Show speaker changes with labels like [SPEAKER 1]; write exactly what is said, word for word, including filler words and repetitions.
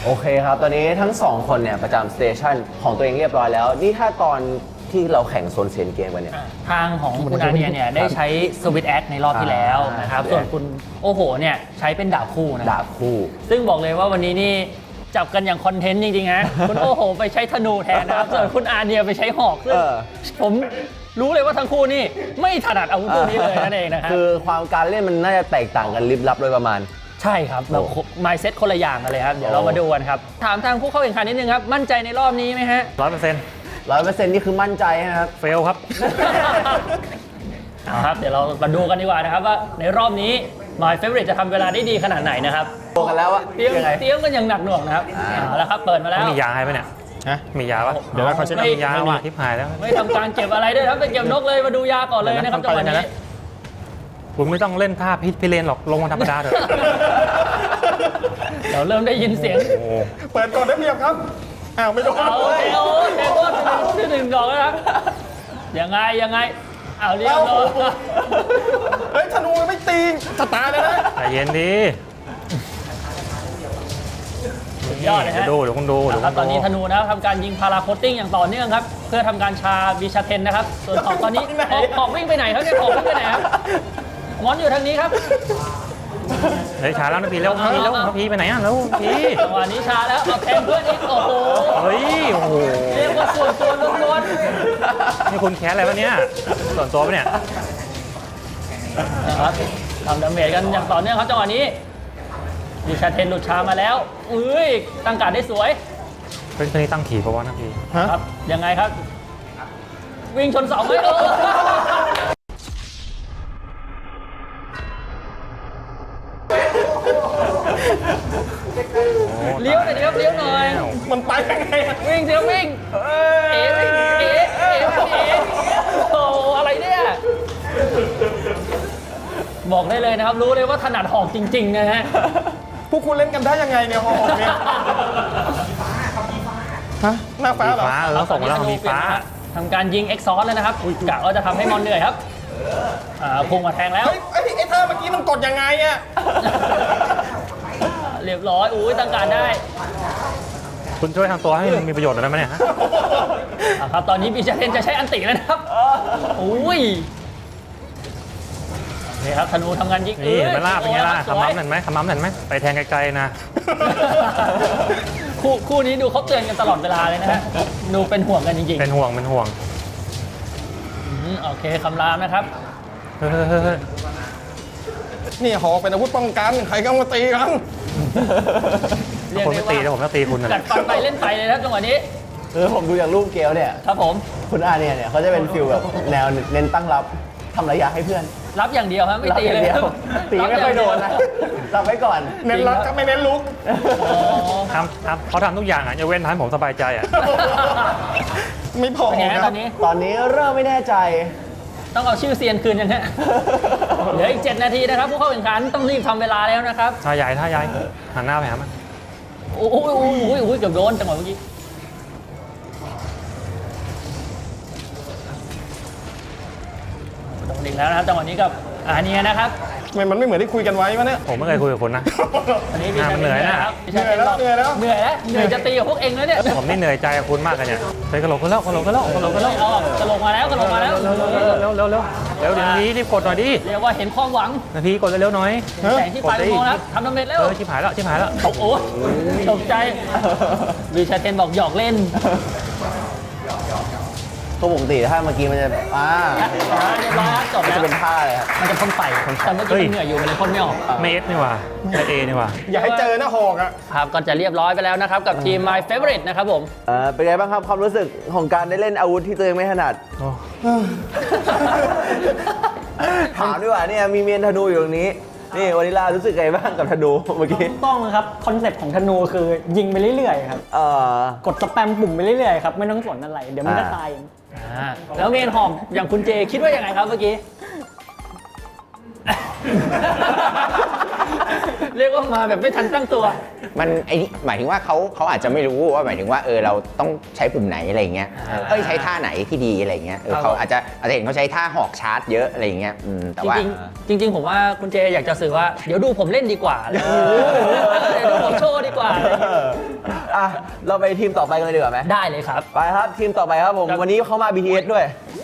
[SPEAKER 1] โอเคครับตอนนี้ทั้งสองคนเนี่ยประจำสเตชันของตัวเองเรียบร้อยแล้วนี่ถ้าตอนที่เราแข่งโซนเซียนเกมกันเนี่ย
[SPEAKER 2] ทางของคุณอาเนียเนี่ยได้ใช้สวิตแอคในรอบที่แล้วนะครับส่วนคุณโอ้โหเนี่ยใช้เป็นดาบคู่นะ
[SPEAKER 1] ดาบคู่
[SPEAKER 2] ซึ่งบอกเลยว่าวันนี้นี่จับกันอย่างคอนเทนต์จริงๆฮะ คุณโอ้โหไปใช้ธนูแทนนะครับส่วนคุณอาเนียไปใช้หอกซึ่งผมรู้เลยว่าทั้งคู่นี่ไม่ถนัดอาวุธพวกนี้เลยนั่นเองนะครับ
[SPEAKER 1] คือความการเล่นมันน่าจะแตกต่างกันลิบลับโดยประมาณ
[SPEAKER 2] ใช่ครับแบบ mindset คนละอย่างกันเลยครับเดี๋ยวเรามาดูกันครับถามทางผู้เข้าแข่งขันนิดนึงครับมั่นใจในรอบนี้ไหมฮะ
[SPEAKER 3] ร้อยเปอร์เซ็นต์
[SPEAKER 1] ร้อยเปอร์เซ็นต์นี่คือมั่นใจนะครับ
[SPEAKER 3] เฟลครับ
[SPEAKER 2] ครับเดี๋ยวเรามาดูกันดีกว่านะครับว่าในรอบนี้ My Favorite จะทำเวลาได้ดีขนาดไหนนะครับ
[SPEAKER 1] โตกันแล้วอะ
[SPEAKER 2] เตรียม
[SPEAKER 1] ยังไง
[SPEAKER 2] เตรียมกันอย่างหนักหน่วงนะครับเอาละครับเปิดมาแล้ว
[SPEAKER 3] มียาให้ไหมเนี่ยฮะมียาปะ
[SPEAKER 2] เดี๋ยวเราเขาจะ
[SPEAKER 3] มียาว่ะทิพหายแล้ว
[SPEAKER 2] ไม่ทำการเก็บอะไรด้วยครับไปเก็บนกเลยมาดูยาก่อนเลยนะครับจังหวะนี้
[SPEAKER 3] คุณไม่ต้องเล่นท่าพิษพิเรนหรอกลงมาธรรมดาเถอะ
[SPEAKER 2] เดี๋ยวเริ่มได้ยินเสียง
[SPEAKER 4] เปิดก่อนได้เพียบครับอ้าวไม่โดน
[SPEAKER 2] โอเคโอ้เทโก้ที่หนึ่งดอกแล้วครับยังไงยังไงเอาเรียบร้อย
[SPEAKER 4] เฮ้ยธนูไม่ตีสตาร์เลยนะ
[SPEAKER 3] ใจเย็นดี
[SPEAKER 2] ยอดเลยฮะ
[SPEAKER 3] ดูเดี๋ยวคุณดู
[SPEAKER 2] ครับตอนนี้ธนูนะครับทำการยิงพาราโคตติ้งอย่างต่อเนื่องครับเพื่อทำการชาบิชาเทนนะครับส่วนของตอนนี้ขอบวิ่งไปไหนครับเนี่ยขอบวิ่งไปไหนครับมอนอยู่ทางนี้ครับ
[SPEAKER 3] เฮ้ยชาแล้วนะพี่เร็วพี่เร็วพี่ไปไหนอ่ะแล้วพี่
[SPEAKER 2] จังหวะนี้ชาแล้วเอาแทนเพื่อนอีกโอ้โห
[SPEAKER 3] เฮ้ยโอ้โห
[SPEAKER 2] เรียกว่าส่วนตัวล้วน
[SPEAKER 3] ๆนี่คุณแคสอะไรวะเนี่ยส่วนตัวปะเนี่ย
[SPEAKER 2] นะครับทำดาเมจกันอย่างต่อเนื่องครับจังหวะนี้ดิชาเทนหลุดชามาแล้วอุ้ยตั้งการได้สวย
[SPEAKER 3] เป็นคนนี้ตั้งขี่เพราะว่านะพี่
[SPEAKER 2] ครับยังไงครับวิ่งชนเสาไม่เออเลี้ยวหน่อยครับเลี้ยวหน่อย
[SPEAKER 4] มันไปยังไง
[SPEAKER 2] วิ่งเสียวิ่งเอ๋วิ่งเอ๋เอ๋เอ๋โอ้อะไรเนี่ยบอกได้เลยนะครับรู้เลยว่าถนัดหอกจริงๆนะฮะ
[SPEAKER 4] พวกคุณเล่นกันได้ยังไงเนี่ยหอกเนี่ยฮะหน้าฟ้าเหรอ
[SPEAKER 3] ฟ้าเออส่งมาแล้วมีฟ้า
[SPEAKER 2] ทำการยิงเอ็กซอสแล้วนะครับกะว่าจะทำให้มอนเหนื่อยครับอ่าพุ่งมาแทงแล้ว
[SPEAKER 4] ไอ้ไอ้ท่าเมื่อกี้มันกดยังไงอะ
[SPEAKER 2] เรียบร้อยอุ้ยตั้งการได้
[SPEAKER 3] คุณช่วยทางตัวให้มันมีประโยชน์หน่อยได้ไหมเนี่ยฮะ
[SPEAKER 2] ครับตอนนี้บิชาเทนจะใช้อันติแล้วนะครับอุ้ยนี่ครับธนูทำงานยิง
[SPEAKER 3] นี่มันลาบเป็นไงล่ะคำมั่มเห็นไหมคำมั่มเห็นไหมไปแทงไกลๆนะ
[SPEAKER 2] คู่คู่นี้ดูเขาเตือนกันตลอดเวลาเลยนะฮะดูเป็นห่วงกันจริงๆ
[SPEAKER 3] เป็นห่วงเป็นห่วง
[SPEAKER 2] โอเคคำรามนะครับ
[SPEAKER 4] นี่หอกเป็นอาวุธป้องกันใครก็มาตีกัน
[SPEAKER 3] คนไม่ตีแล้วผมก็ตีคุณนะ
[SPEAKER 2] กัดฟันไปเล่นไปเลยครับจังหวะนี้
[SPEAKER 1] เออผมดูจากรูปเกลเนี่ย
[SPEAKER 2] ครับผม
[SPEAKER 1] คุณอาเนี่ยเนี่ยเขาจะเป็นฟิลแบบแนวเน้นตั้งรับทำระยะให้เพื่อน
[SPEAKER 2] รับอย่างเดียวครับไม่ตีเลย
[SPEAKER 1] ตีไม่ค่อยโดนนะรับไว้ก่อน
[SPEAKER 4] เน้นรับก็ไม่เน้นลุก
[SPEAKER 3] ทำทำเขาทำทุกอย่างอ่ะจะเว้นทำให้ผมสบายใจอ่ะ
[SPEAKER 4] ไม่พอ
[SPEAKER 2] ตอนนี้
[SPEAKER 1] ตอนนี้เริ่มไม่แน่ใจ
[SPEAKER 2] ต้องเอาชื่อเซียนคืนยังฮะเหลืออีกเจ็ดนาทีนะครับผู้เข้าแข่งขันต้องรีบทำเวลาแล้วนะครับ
[SPEAKER 3] ท่าใหญ่ท่าใหญ่หันหน้าไปหามัน
[SPEAKER 2] โอ้โหโอ้โหโอ้โหเกือบโดนจังหวะเมื่อกี้โดนอีกแล้วนะครับจังหวะนี้กับอาเนียนะครับ
[SPEAKER 4] มันไม่เหมือนที่คุยกันไว้ปะเนี่ย
[SPEAKER 3] ผมไม่เคยคุยกับคุณนะ
[SPEAKER 2] อันนี้พี่ชาย
[SPEAKER 3] เหนื่อยนะครับ
[SPEAKER 4] เหนื่อยแล้วเหนื่อยแล้ว
[SPEAKER 2] เหนื่อยแล้วเหนื่อยจะตีกับพวกเองแล้วเนี่ย
[SPEAKER 3] ผมนี่เหนื่อยใจกับคุณมากเลยเนี่ยไปกระโหลกกันแล้วกระโหลกกันแล้วกระโหลกกันแล้ว
[SPEAKER 2] กระโหลกมาแล้วกระโหลกมาแล้ว
[SPEAKER 3] เร็วเร็วเร็วเร็วเร็วเดี๋ยวนี้รีบกดหน่อยดิ
[SPEAKER 2] เรียกว่าเห็นความหวัง
[SPEAKER 3] นาทีกดเร็วๆหน่อย
[SPEAKER 2] แสงที่ปลายอุโมงค์แล้วทำดาเมจเร็ว
[SPEAKER 3] เออชิบหายแล้วชิบหายแล้ว
[SPEAKER 2] ตกโอ้ตกใจบิชาเทนบอกหยอกเล่น
[SPEAKER 1] ตัวปกติถ้าเมื่อกี้มันจะอ่า
[SPEAKER 2] เรียบร้อยจบแล้ว
[SPEAKER 1] จะเป็นท่าเลยครับ
[SPEAKER 2] มันจะพ่นไฟแต่เมื่อกี้มันเหนื่อยอยู่มันเลยพ่นไม่ออก
[SPEAKER 3] เมสนี่ว่ะเอนี่ว่ะ
[SPEAKER 4] อย่าให้เจอหน้าหอกอ่ะ
[SPEAKER 2] ครับก็จะเรียบร้อยไปแล้วนะครับกับทีม My Favorite นะครับผม
[SPEAKER 1] เออเป็นไงบ้างครับความรู้สึกของการได้เล่นอาวุธที่ตัวเองไม่ถนัดถามดีกว่าเนี่ยมีเมียนธนูอยู่ตรงนี้นี่วานิลารู้สึกไงบ้างกับธนูเมื่อกี้
[SPEAKER 5] ต้องครับคอนเซ็ปต์ของธนูคือยิงไปเรื่อยๆครับเอ่อกดสแปมปุ่มไปเรื่อยๆครับไม่ต้องสนอะไรเดี๋ยวมันก็ตาย
[SPEAKER 2] แล้วเมนหอมอย่างคุณเจคิดว่ายังไงครับเมื่อกี้เรียกว่ามาแบบไม่ทันตั้งตัว
[SPEAKER 6] มันไอ้นี่หมายถึงว่าเขาเขาอาจจะไม่รู้ว่าหมายถึงว่าเออเราต้องใช้ปุ่มไหนอะไรเงี้ยเอ้ยใช้ท่าไหนที่ดีอะไรเงี้ยเออเขาอาจจะอาจจะเห็นเขาใช้ท่าหอกชาร์จเยอะอะไรเงี้ยแต่ว่า
[SPEAKER 2] จริงๆผมว่าคุณเจอยากจะสื่อว่าเดี๋ยวดูผมเล่นดีกว่าเดี๋ยวดูผมโชว์ดีกว่า
[SPEAKER 1] เราไปทีมต่อไปกันเลยดีกว่าไหม
[SPEAKER 2] ได้เลยครับ
[SPEAKER 1] ไปครับทีมต่อไปครับผม
[SPEAKER 2] ครับ
[SPEAKER 1] วันนี้เข้ามา บี ที เอส ด้วย